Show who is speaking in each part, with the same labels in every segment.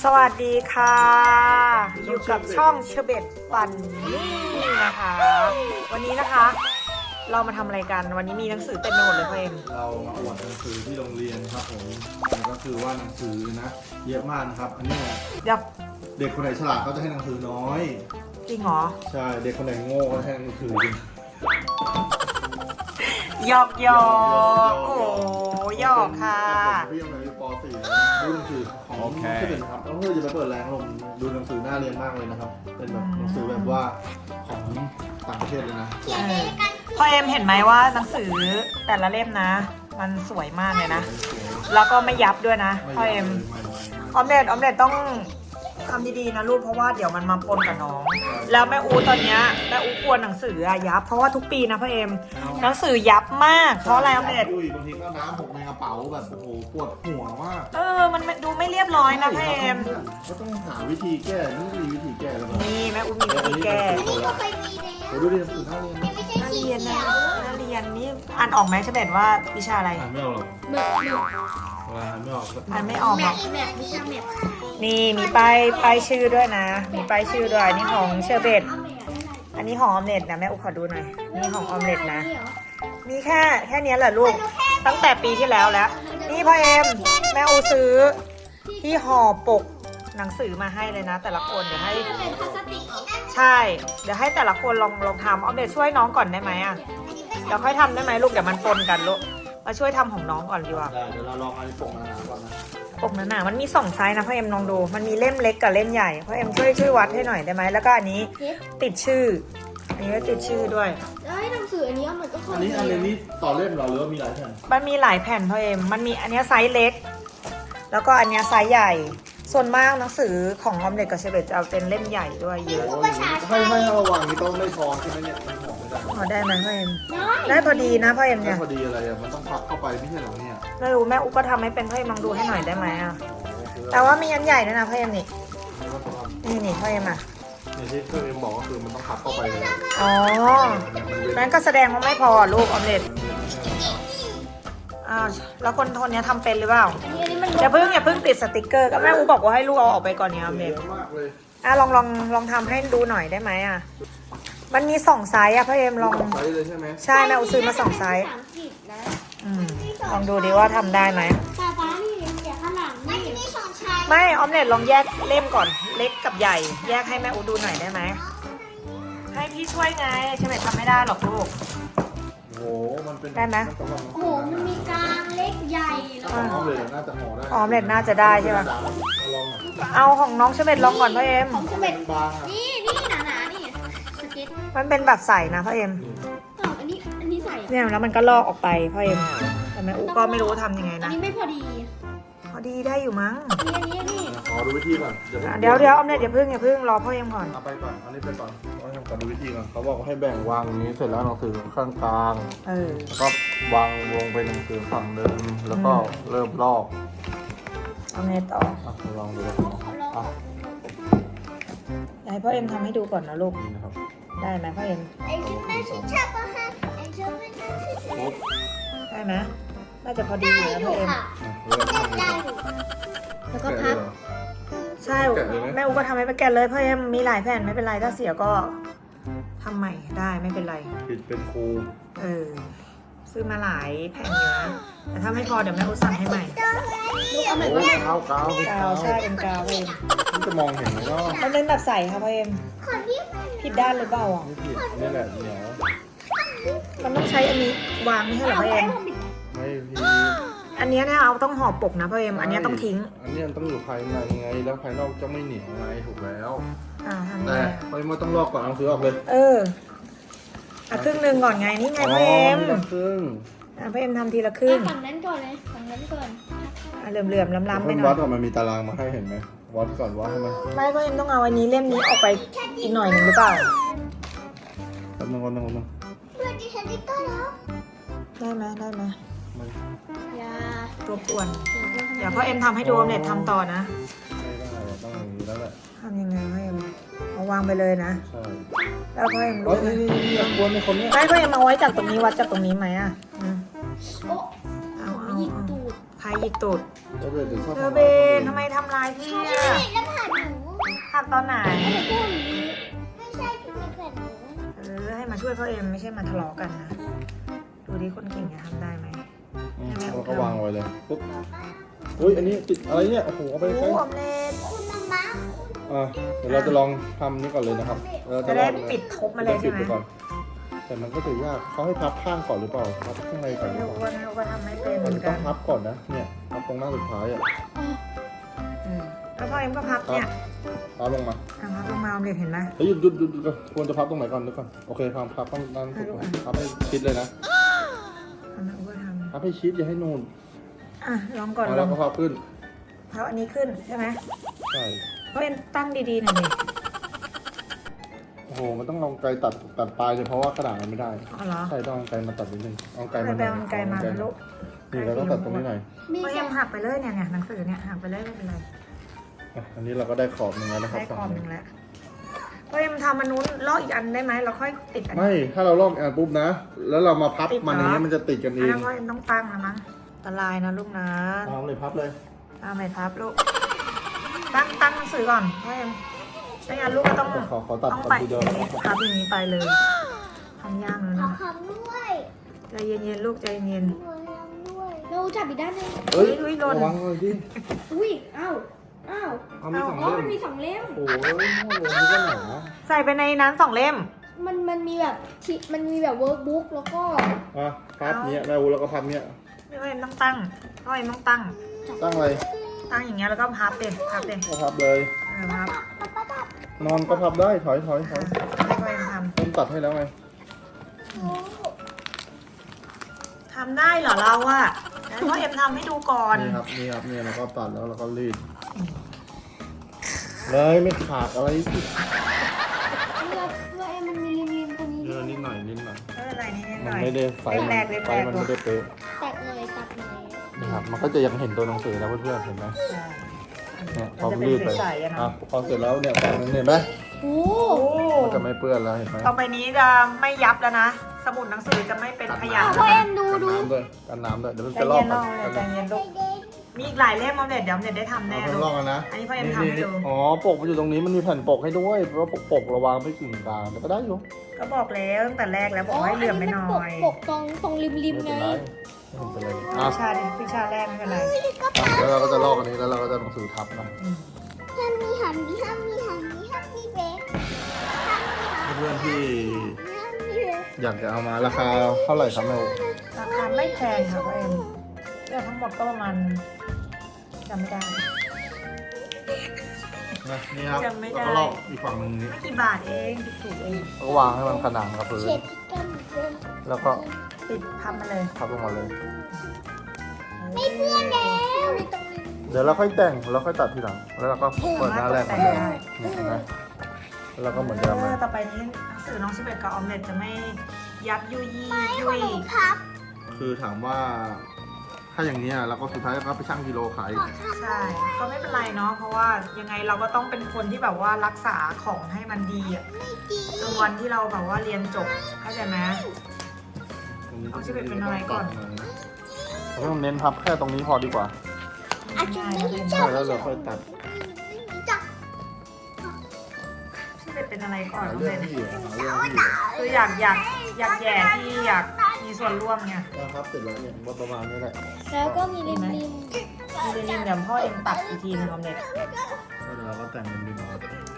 Speaker 1: สวัสดีค่ะ อยู่กับช่องเชเบตฟันนี่นะคะ วันนี้นะคะ เรามาทำอะไรกันวันนี้มีหนังสือเต็มไปหมดเลยพ่อเอ็ม
Speaker 2: เรามาอวดหนังสือที่โรงเรียนครับผมแล้วก็คือว่าหนังสือนะเยอะมากนะครับ อันนี้
Speaker 1: เดี๋ยว
Speaker 2: เด็กคนไหนฉลาดเขาจะให้หนังสือน้อย
Speaker 1: จริงเหรอ
Speaker 2: ใช่เด็กคนไหนโง่ก็ให้หนังสือเยอะ
Speaker 1: หยอกหยอกโอ้หยอกค่ะ
Speaker 2: พี่ยังในป .4 ดูหนังสือของที่เป็นครับแล้วเพื่อจะไปเปิดแรงลมดูหนังสือน่าเรียนมากเลยนะครับ เป็นแบบหนังสือแบบว่าของต่างประเทศเลยนะ
Speaker 1: พ่อเอ็มเห็นไหมว่าหนังสือแต่ละเล่มนะ มันสวยมากเลยนะ แล้วก็ไม่ยับด้วยนะพ่อเอ็มออมเล็ตต้องทำดีๆนะลูกเพราะว่าเดี๋ยวมันมาปนกับน้อง แล้วแม่อูตอนเนี้ยแม่อูกลัวหนังสืออะยับเพราะว่าทุกปีนะพ่อเอ็มหนังสือยับมากเพราะอะไรออมเล็ต
Speaker 2: บางทีก็น้ำหกในกระเป๋าแบบโอ้โหปวดหัวมาก
Speaker 1: มันดูไม่เรียบร้อยนะพ่อเอ็ม
Speaker 2: ก็ต้องหาวิธีแก้นี่มีวิธีแก้แล้วแบบ
Speaker 1: นี่แม่อูมีวิธีแก้
Speaker 3: ก็เคยมีแล้ว
Speaker 2: ดูดิหนังสือน่าเรียน
Speaker 3: ไม่ใช่
Speaker 1: นัก
Speaker 3: สี
Speaker 1: เรียน
Speaker 3: เขี
Speaker 1: นะ
Speaker 3: ยว
Speaker 1: นักเรียนนี่อ่านออกไหมเฉเบตว่าวิชาอะไร
Speaker 2: อ่านไม่ออกหรอก
Speaker 3: หมึก
Speaker 2: อ่านไม่ออกก็
Speaker 1: อ่านไม่ออกหรอก
Speaker 3: แมปวิชาแมป
Speaker 1: นี่มีป้ายชื่อด้วยนะ มีป้ายชื่อด้วยอันนี้ของเชอร์เบตอันนี้ของออมเล็ตนะแม่อุขอดูหน่อยนี่ของออมเล็ตนะ มีแค่เนี้ยแหละลูกตั้งแต่ปีที่แล้วแล้ว นี่พ่อเอ็มแม่อูซื้อที่ห่อปกหนังสือมาให้เลยนะ แต่ละคนเดี๋ยวให้
Speaker 3: เป็นพลาสติกเหรอ
Speaker 1: ใช่ เดี๋ยวให้แต่ละคนลองทำออมเล็ตช่วยน้องก่อนได้ไหมอ่ะเดี๋ยวค่อยทำได้ไหมลูกเดี๋ยวมันปนกันลูกมาช่วยทำของน้องก่อนดีกว่า
Speaker 2: ได้เดี๋ยวเราลองอันนี้ปกมาก่อนนะ
Speaker 1: ปกหนาๆมันมี2ไซส์นะพ่อเอ็มลองดู มันมีเล่มเล็กกับเล่มใหญ่พ่อเอ็มช่วยวัดให้หน่อยได้ไหมแล้วก็อันนี้ติดชื่อ อันนี้ก็ติดชื่อด้วย
Speaker 3: แล้วให้หนังสืออันนี้มันก็ค
Speaker 2: อั
Speaker 3: น
Speaker 2: นนี้ต่อเล่มเหรอหรือว่ามีหลายแผ่น
Speaker 1: มันมีหลายแผ่นพ่อเอ็มมันมีอันเนี้ยไซส์เล็ก แล้วก็อันเนี้ยไซส์ใหญ่ ส่วนมากหนังสือของออมเล็ตกับเชเบตจะเอาเป็นเล่มใหญ่ด้วยเยอะ
Speaker 2: ให้ระวังนี่ต้องไม่พอใช่ไหมเนี่ยมันหอมไม่ได้
Speaker 1: พอได้ไหมพ่อเอ็ม
Speaker 3: ได้
Speaker 1: ได้พอดีนะพ่อเอ็ม
Speaker 2: แค่
Speaker 1: เนี่ย
Speaker 2: พอดีอะไรอ่ะมันต้องพับเข้าไปไม่ใช่เหรอเนี่ย
Speaker 1: ไม่รู้แม่อุ๊ก็ทำให้เป็นพ่อเอ็มลองดูให้หน่อยได้ไหมอ่ะแต่ว่ามีอันใหญ่ด้วยนะพ่อเอ็มนี่นี่พ่อเอ็มอ่ะ
Speaker 2: อย่างที่เคยบอกก็คือมันต้องพับเข้าไปเลย
Speaker 1: อ๋อนั้นก็แสดงว่าไม่พอลูกออมเล็ตแล้วคนเนี้ยทำเป็นหรือเปล่า
Speaker 3: อันนี้มัน
Speaker 1: อย่าเพิ่งติดสติกเกอร์ก็แม่อูบอกว่าให้ลูกเอาออกไปก่อนเนี่ยออมเล็ต
Speaker 2: เยอะมากเลย
Speaker 1: ลองทำให้ดูหน่อยได้ไหมอ่ะมันมี2ไซส์อ่ะพ่อเอ็มลอง
Speaker 2: ใช้เลยใช่ไหม
Speaker 1: ใช่แม่อูซื้อมา2ไซส์
Speaker 3: นะ
Speaker 1: ลองดูดิว่าทำได้ไหม
Speaker 3: ตาฟ้านี่เดี๋ยวข้างหลังนี่มีสองชาย
Speaker 1: ไม่ออมเล็ตลองแยกเล่มก่อนเล็กกับใหญ่ แยกให้แม่อูดูหน่อยได้ไหมให้พี่ช่วยไงใช่ไหมทำไม่ได้หรอกลูก
Speaker 2: โอ้โหมันเป็น
Speaker 1: ได้ไหม
Speaker 3: โอ้โหมันมีกลางเล็กใหญ่แล้ว
Speaker 2: ออมเลยน่าจะห่อได้
Speaker 1: ออมเล็ตน่าจะได้ใช่ปะ
Speaker 2: ลอง
Speaker 1: เอาของน้องเชเบตลองก่อนพ่อเอ็ม
Speaker 3: ของสเม็ด
Speaker 2: บางอ่ะ
Speaker 3: นี่หนาๆนี่สเก็ต
Speaker 1: มันเป็นแบบใสนะพ่อเอ็ม
Speaker 3: อันนี้ใส่
Speaker 1: เนี่ยแล้วมันก็ลอกออกไปพ่อเอ็มแต่แม่อูก็ไม่รู้ทำยังไง
Speaker 3: อัน
Speaker 1: นะ
Speaker 3: นี้ไม่พอดี
Speaker 1: พอดีได้อยู่มั้ง
Speaker 3: อันนี้
Speaker 2: ขอดูวิธีก่อน
Speaker 1: เดี๋ยวออมเล็ตอย่าเพิ่งรอพ่อเอ็มก่อน
Speaker 2: เอาไปก่อนอันนี้ไปก่อนต้องทำก่อนดูวิธีก่อนเขาบอกว่าให้แบ่งวางอย่างนี้เสร็จแล้วหนังสือข้างกลาง แล้วก็วางวงไปหนังสือฝั่งเดิมแล้วก็เริ่มลอก
Speaker 1: เอาไงต่อ
Speaker 2: ลองดูอ่ะ
Speaker 1: เดี๋ยวให้พ่อเอ็มทำให้ดูก่อนนะลูก
Speaker 2: นี่นะครับ
Speaker 1: ได้ไหมพ่อเอ็ม
Speaker 3: ไอ้ชุดนั้นชุดชอบปะฮะไอ้ชุดนั้นชุด
Speaker 2: ปุ๊บ
Speaker 1: ได้ไหมน่าจะพอดีอยู่นะพ่อเอ็ม
Speaker 2: เริ่มทำเลย
Speaker 3: แล้วก็พับ
Speaker 1: ใช่แม่อูก็ทำให้ไปแกะเลยพ่อเอ็มมีหลายแผ่นไม่เป็นไรถ้าเสียก็ทำใหม่ได้ไม่เป็นไร
Speaker 2: ผิดเป็นครู
Speaker 1: ซื้อมาหลายแผ่นอยู่นะแต่ถ้าไม่พอเดี๋ยวแม่อูสั่งให้ใหม่
Speaker 3: ลูกเอาแบบ
Speaker 2: โอ้
Speaker 3: ว่า
Speaker 2: กาวกาว
Speaker 1: กาวใช่เป็นกาวเอง
Speaker 2: มันจะมองเห็นไหมก็
Speaker 1: มันเป็นแบบใสค่ะพ่อเอ็ม
Speaker 3: คนที่
Speaker 1: ผิดด้านหรือเปล่าอ่ะ
Speaker 2: ไม่ผิดนี่แหละเหนียว
Speaker 1: มันต้องใช้อันนี้วางไม่ใช่เหรอพ่อเอ็ม
Speaker 2: ไม่ผิด
Speaker 1: อันเนี้ยเนี่ยเอาต้องห่อปกนะพ่อเอ็มอันเนี้ยต้องทิ้ง
Speaker 2: อันนี้มันต้องอยู่ภายในไงแล้วภายนอกจะไม่เหนียวไงถูกแล้ว
Speaker 1: ทำไง
Speaker 2: แต่
Speaker 1: อะ
Speaker 2: ไปมาต้องลอกก่อนเอาซื้อออกเลย
Speaker 1: ครึ่งหนึ่งก่อนไงนี่ไงพ่อเอ็ม
Speaker 2: ครึ่ง
Speaker 1: พ่อเอ็มทำทีละครึ่ง
Speaker 3: ฝั่งนั้นก่อนเลยฝั่งนั้นก่อน
Speaker 1: เหลื่อมๆล้ำๆไป
Speaker 2: เพิ่ม
Speaker 1: หน่
Speaker 2: วั
Speaker 1: อ
Speaker 2: ด
Speaker 1: ย
Speaker 2: ก่อนมันมีตารางมาให้เห็นไหมวัดก่อนวัดให้มัน
Speaker 1: ไม่พ่อเอ็มต้องเอาอันนี้เล่มนี้ออกไปอีกหน่อยหนึ่งหรือเปล่า
Speaker 2: แป๊บนึงวันนึง
Speaker 3: เพื่อนที่ฉันได้ก็แล้ว
Speaker 1: ได้ไหม
Speaker 3: อย่าร
Speaker 1: บกวนเดี๋ยวพ่อเอ็มทำให้ดูออมเล็ตทำต่อนะ
Speaker 2: ไม่ได้ต้องอย่างนี้แล้วแหละ
Speaker 1: ทำยังไงพ่อเอ็มเอาวางไปเลยนะ
Speaker 2: ใช่
Speaker 1: แล้วพ่อเอ็ม
Speaker 2: เฮ้
Speaker 1: รู้
Speaker 2: ย
Speaker 1: ไหม
Speaker 2: นี่อย่ากวนในคนเนี้ย
Speaker 1: ไม่พ่อเอ็มเอาไว้จากตรงนี้วัดจากตรงนี้ไหมอ่ะ
Speaker 3: โอ้
Speaker 1: เอา
Speaker 3: ยิงตูด
Speaker 1: ใครหยิกตูด
Speaker 2: เบนถึงชอบ
Speaker 1: เธอเบนทำไมทำลายพี่
Speaker 3: ไม่
Speaker 1: อะ
Speaker 3: แล้วผ่านหนู
Speaker 1: หักตอนไหน
Speaker 3: ไม่พูดอย่างนี้ไม่ใช่ที่เป็นแผ่นหนู
Speaker 1: ให้มาช่วยพ่อเอ็มไม่ใช่มาทะเลาะกันนะ ดูดิคนเก่งจะทำได้ไหม
Speaker 2: แล้วก็วางไว้เลยปุ๊บอุ้ยอันนี้ติดอะไรเนี่ยโอ้โหเอาไป
Speaker 1: โอ้
Speaker 2: ใช้
Speaker 1: ออมเล็ต
Speaker 3: คุณมา
Speaker 2: เดี๋ยวเราจะลองทำนี่ก่อนเลยนะครับเรา
Speaker 1: จะได้ปิดทบมาเลยใช่ไหม
Speaker 2: ปิดปก่อนแต่มันก็ถือยากเขาให้พับข้างก่อนหรือเปล่าพับข้างในก่อนหรือ
Speaker 1: ทุก
Speaker 2: เป
Speaker 1: ค
Speaker 2: ล่าน
Speaker 1: เขาก็ทำไม่เป็นเห
Speaker 2: มั
Speaker 1: มื
Speaker 2: น
Speaker 1: อน
Speaker 2: ต้
Speaker 1: กั
Speaker 2: อน งพับก่อนนะเนี่ยพับตรงหน้าสุดท้ายอ่ะ
Speaker 1: แล้วพ่อเอ็มก็พับเนี่ย
Speaker 2: พับลงมา
Speaker 1: พับลงมาออมเล็ตเห็นไหม
Speaker 2: เฮ้ยหยุดก่อนควรจะพับตรงไหนก่อนนึกก่อนโอเคพับต้องด้านสุดก่อนพับให้ชิดเลยนะ
Speaker 1: ทำนะก็ท
Speaker 2: พับให้ชิดอย่าให้นูน
Speaker 1: ำลองก่อนล
Speaker 2: แล้
Speaker 1: อ
Speaker 2: ว
Speaker 1: ง
Speaker 2: ก็พับขึ้น
Speaker 1: พับอันนี้ขึ้นใช่ไหม
Speaker 2: ใช่
Speaker 1: พ่อเอ็มตั้งดีๆหน่อยดิ
Speaker 2: โอ้โหมันต้องเอาไกลตัดปลายเลยเพราะว่าขนาดมันไม่ได้
Speaker 1: อ๋อเหรอ
Speaker 2: ใช่ต้องเอาไกลมาตัดนิดนึงเอาไกล
Speaker 1: ไป
Speaker 2: มา
Speaker 1: แปลงไกลมาลูก
Speaker 2: นี่เราต้องตัดตรงนี้หน่อย
Speaker 3: มี
Speaker 1: พ่อ
Speaker 3: แต่
Speaker 1: เอ็มหักไปเลยเนี่ยหนังสือเนี่ยหักไปเลยไม่เป็นไร
Speaker 2: อันนี้เราก็ได้ขอบหนึ่งแล้วนะครับ
Speaker 1: ได้ขอบหนึ่งแล้วพ่อเอ็มทำมันนู้นลอกอีกอันได้ไหมเราค่อยติดอันนี้
Speaker 2: ไม่ถ้าเราลอกอ่านปุ๊บนะ แล้วเรามาพับ
Speaker 1: ติดเหรอ
Speaker 2: มันอย่างนี้มันจะติดกันเอ
Speaker 1: อัน
Speaker 2: ง
Speaker 1: นั้นพ่อเอ็มต้องตั้งนะมั้งอันตรายนะลูกนะ
Speaker 2: เอาเลยพับเลย
Speaker 1: เอาไม่พับลูกตั้งหนังสือก่อนพ่อเอ็มไม่งั้นลูกก็ต้อง
Speaker 2: ขอตัด
Speaker 1: ต้อง
Speaker 2: ก่อน
Speaker 1: ไป
Speaker 2: ทีเดียวนะครับ
Speaker 1: พับอย่างนี้ไปเลยทำยากเลย
Speaker 3: ขอ
Speaker 1: นะ
Speaker 3: คำด้วย
Speaker 1: ใจเย็นๆลูกใจเย็น
Speaker 3: ด้วยเราจับอีกด้านหนึง
Speaker 2: เฮ้ย
Speaker 1: อุ๊ยหล่น
Speaker 2: ระวังเลยดิ
Speaker 3: อุ้ยอ้าว
Speaker 2: เอามีสอง
Speaker 3: อ๋อ
Speaker 2: เล่
Speaker 3: มัน
Speaker 2: ม
Speaker 3: มีสองเล่ม
Speaker 2: โอ้ยมั่วเลยนี่ก็หนา
Speaker 1: ใส่ไปในนั้น2 เล่ม
Speaker 3: มันมีแบบมันมีแบบเวิร์กบุ๊กแล้วก็
Speaker 2: อ่ะพับเนี้ยแม่อูแล้วก็พับเนี้ย
Speaker 1: พ่อเอ็มต้องตั้งพ่อเอ็มต้องตั้ง
Speaker 2: ตั้งอะไร
Speaker 1: ตั้งอย่างเงี้ยแล้วก็พับเด็ดพับเด็ด
Speaker 2: ก็พับเลย
Speaker 1: พับ
Speaker 2: นอนก็พับได้ถอย
Speaker 1: ให้พ่อเอ็มท
Speaker 2: ผมตัดให้แล้วไง
Speaker 1: ำทำได้เหรอเราอะงั้นพ่อเอ็มทำให้ดูก่อน
Speaker 2: นี่ครับนี่เราก็ตัดแล้วเราก็รีดเลยไม่ขาดอะไรสิ
Speaker 3: เอ็มมันมีริมตรงนี้
Speaker 2: เยอะนิดหน่อย
Speaker 1: ไม่เป็นไรนิดห
Speaker 2: มั
Speaker 1: น่
Speaker 2: น
Speaker 1: อย
Speaker 2: ไม่ได้ไฟ
Speaker 1: แรก
Speaker 2: ไฟมันไม่ได้เป๊ะ
Speaker 3: ตัดหน่อย
Speaker 2: นะครับมันก็จะยังเห็นตัวหนังสือนะเพื่อนๆเห็นไหม
Speaker 1: ใช่
Speaker 2: เนี่ยพ
Speaker 1: มั
Speaker 2: อน
Speaker 1: จะเป็น
Speaker 2: รีดไป
Speaker 1: ใสๆอะ
Speaker 2: อ่ะ
Speaker 1: เนาะ
Speaker 2: พอเสร็จแล้วเนี่ยฝั่งนึงเห็นไหม
Speaker 3: โอ้
Speaker 2: มันจะไม่เปื้อนแล้วเห็นไหม
Speaker 1: ต่อไปนี้จะไม่ยับแล้วนะ สมุดหนังสือจะไม่เป็นขยะ
Speaker 3: พ่อ
Speaker 1: แล้ว
Speaker 3: เอ็
Speaker 1: นะ
Speaker 3: มดู
Speaker 2: กันน้ำด้วยเดี๋ยวมัน
Speaker 1: ใจ
Speaker 2: จะลอ
Speaker 1: เย็
Speaker 2: ก
Speaker 1: น
Speaker 2: กั
Speaker 1: น้องเลยใจเย็นลูกมีอีกหลายเล่มออมเด็ดเดี๋ยวออมเด็ดได้ทำแน่
Speaker 2: เอา
Speaker 1: ลู
Speaker 2: ไปลอก
Speaker 1: ก
Speaker 2: กันนะ
Speaker 1: อันนี้พ่อเอ็มทำให้ดู
Speaker 2: อ๋อปกมันอยู่ตรงนี้มันมีแผ่นปกให้ด้วยเพราะว่าปกระวางไม่กึ่งกลางแต่ก็ได้อยู่
Speaker 1: ก็บอกแล้วตั้งแต่แรกแล้วบอกให้เหลื่อมไปหน่อย
Speaker 3: ปกตรงริม
Speaker 2: ไม่
Speaker 3: ไง
Speaker 2: เป็นไรไม่เป็นไรอ่ะ
Speaker 1: วิชาแรกไม่เป็นไร
Speaker 2: แล้วเราก็จะลอกอันนี้แล้วเราก็จะหนังสือทับนะ
Speaker 3: ห้ามมีหันมีเบรก
Speaker 2: เพื่อนๆที่
Speaker 3: ห้ามมีเบรก
Speaker 2: อยากจะเอามาราคาเท่าไหร่ครับแม่
Speaker 1: ราคาไม่แพงค่ะพ่อเอ็มเนี่ยทั้งหมดก็ประมาณจำไม่ได้
Speaker 2: นี่ครับ
Speaker 1: จำไม่ได้
Speaker 2: แล้วก็ลอกอีกฝั่งหนึงนี้
Speaker 1: ไม่กี่บาทเองถูกๆเอง
Speaker 2: แล้วก็วางให้มันขนานกับพื้น
Speaker 3: เช็ดกันเดิน
Speaker 2: แล้วก็
Speaker 1: ติดพับมาเลย
Speaker 2: ทับลงมาเลย
Speaker 1: ไม่เพื่อนแล้ว
Speaker 2: เดี๋ยวเราค่อยแต่งแล้วค่อยตัดทีหลังแล้วเราก็เปิดหน้าแรกมาเลยนี่เห็นไหมแล้วเราก็เหมือนเดิมเลย
Speaker 1: ต่อไปนี้หนังสือน้องชิเบตกับออมเล็ตจะไม่ยับยุยี่ยุย
Speaker 3: พับ
Speaker 2: คือถามว่า ถ้าอย่างนี้ยเราก็สุดท้ายก็ไปชั่งกิโลขาย
Speaker 1: ใช่ก็ไม่เป็นไรเนาะเพราะว่ายังไงเราก็ต้องเป็นคนที่แบบว่ารักษาของให้มันดีอะจนวันที่เราแบบว่าเรียนจบเข้าใจไหม เอาที่เป็นอะไรก่อน
Speaker 2: เราต้องเน้นพับแค่ตรงนี้พอดีกว่า
Speaker 3: อาจจะไม่ได้
Speaker 2: ใช่แล้วเราค่อยตัด
Speaker 3: จับ
Speaker 1: ชิเบตเป็นอะไรก่อน
Speaker 2: หา
Speaker 1: ออม
Speaker 2: เรื่อ
Speaker 1: เล็
Speaker 2: ง
Speaker 1: ต
Speaker 2: ที่หาเรื่องที่
Speaker 1: คืออยากแย่ที่อยากมีส่วนร่วมไง
Speaker 2: นะครับเสร็จแล้วเนี่ยประมาณนี้แหละ
Speaker 3: แล้วก็มีริม
Speaker 1: มีเรนเดี๋ยวพ่อเอ็มตัดอีกทีนึงออมเล็ต
Speaker 2: แล้วเราก็แต่งเป็นดินเอา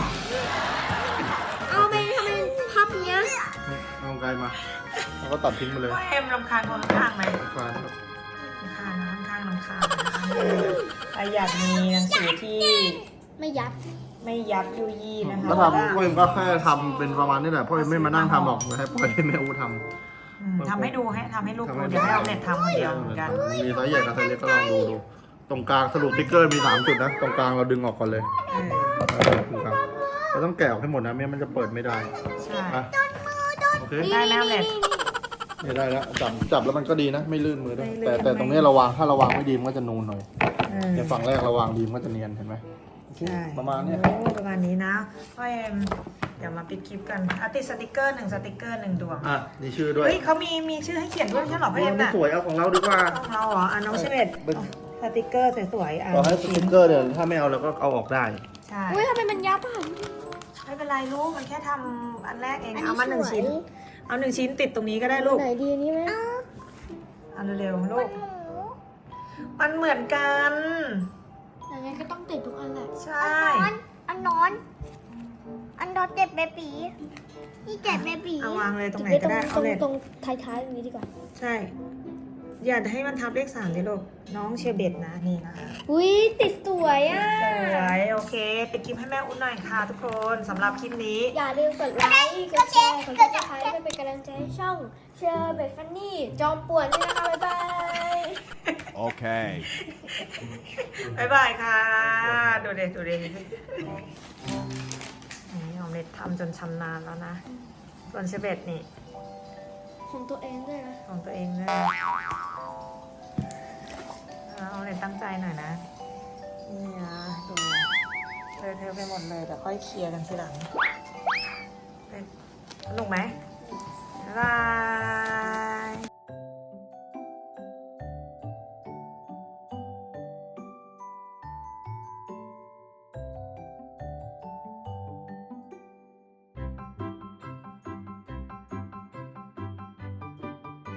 Speaker 3: เอาไปทำเป็นพับเนี้ย
Speaker 2: เอาไกลมาแล้วก็ตัดทิ้งไปเลย
Speaker 1: พ่อเอ็มรำคาญคนข้างไหม
Speaker 2: ฟานครับ
Speaker 1: รำคาญนะค่อนข้างรำคาญนะคะใครอยากมีหนังสือที่
Speaker 3: ไม่ยับ
Speaker 1: ไม่ยับยุยี่นะคะ
Speaker 2: ก็ทำพ่อเอ็มก็แค่ทำเป็นประมาณนี้แหละพ่อเอ็มไม่มานั่งทำหรอกให้ปล่อยให้แม่อูทำ
Speaker 1: ทำให้ดูให้ทำให้ลูกดูเดี๋ยวให้ออมเล็ตทำคนเดียวเหมือนกัน
Speaker 2: มีไซส์ใหญ่กับไซส์เล็กก็ลองดูตรงกลางสรุปติ๊กเกอร์มี3จุดนะตรงกลางเราดึงออกก่อนเลยตรงกลางเราต้องแกะออกให้หมดนะไม่งั้นมันจะเปิดไม่ได้
Speaker 1: ใช่
Speaker 2: อ่ะโอเค
Speaker 1: ได้ไหมออมเล็ต
Speaker 2: เนี่ยได้แล้วจับแล้วมันก็ดีนะ ไม่ลื่นมือด้วยแต่ตรงนี้ถ้าระวางไม่ดีมันก็จะนูนหน่อยในฝั่งแรกระวางดีมันก็จะเนียนเห็นไหม
Speaker 1: ใช่
Speaker 2: ประมาณเนี้ย
Speaker 1: โอ้ประมาณนี้นะพ่อเอ็มเดี๋ยวมาปิดคลิปกันติดสติกเกอร์1 สติกเกอร์ 1 ดวง
Speaker 2: อ่ะนี่ชื่อด้วย
Speaker 1: เฮ้ยเขามีชื่อให้เขียนด้วยไม่ใช่เหรอพ่อเอ็ม
Speaker 2: ไม่
Speaker 1: น่ะ
Speaker 2: สวยเอาของเราดีกว่า
Speaker 1: ของเราเหรอน้องชิเบตสติกเกอร์สวยๆอ่ะ
Speaker 2: ต่อให้สติ๊กเกอร์เนี่ยถ้าไม่เอาเราก็เอาออกได้
Speaker 1: ใช่
Speaker 3: อุ้ยทำไมมันยับอ่ะ
Speaker 1: ไม่เป็นไรลูกมันแค่ทำอันแรกเอง
Speaker 3: อันนี้
Speaker 1: เอามาหนึ่ง
Speaker 3: สวย
Speaker 1: ชิ้น เอาหนึ่งชิ้นติดตรงนี้ก็ได้ลูก
Speaker 3: ไหนดีนี่ไหม
Speaker 1: เอาเร็วๆลูก มันเหมือนกัน
Speaker 3: อย่างงั้นก็ต้องติดทุกอันแหละ
Speaker 1: ใช่
Speaker 3: อันนอนเจ็บเบบีนี่เจ็บเบบี
Speaker 1: เอาวางเลยตรงไหนก็ได้เอาเลย
Speaker 3: ตรงท้ายๆตรงนี้ดีกว่า
Speaker 1: ใช่ อย่าให้มันทับเลข3ดิลูก น้องเชอร์เบตนะนี่นะคะ
Speaker 3: อุ้ยติดสวยอ่ะ
Speaker 1: สวยโอเคปิดคลิปให้แม่อุ้นหน่อยค่ะทุกคนสำหรับคลิปนี้
Speaker 3: อย่าลืมกดไลค์ กดแชร์ กดซับสไครต์เพื่อเป็นกำลังใจให้ช่องเชอร์เบตฟันนี่ จอมป่วนด้วยนะคะ บ๊ายบาย
Speaker 4: Okay.
Speaker 1: บ๊ายบายค่ะ ดูเด็ดูเด็นี่ออมเล็ตทำจนชำนาญแล้วนะ ส่วนเชอร์เบตนี่
Speaker 3: ของตัวเองด้วยนะ
Speaker 1: ของตัวเองด้วยออมเล็ตตั้งใจหน่อยนะ นี่นะดูเลอะเทอะไปหมดเลยแต่ค่อยเคลียร์กันทีหลังสนุกไหมบ๊ายบาย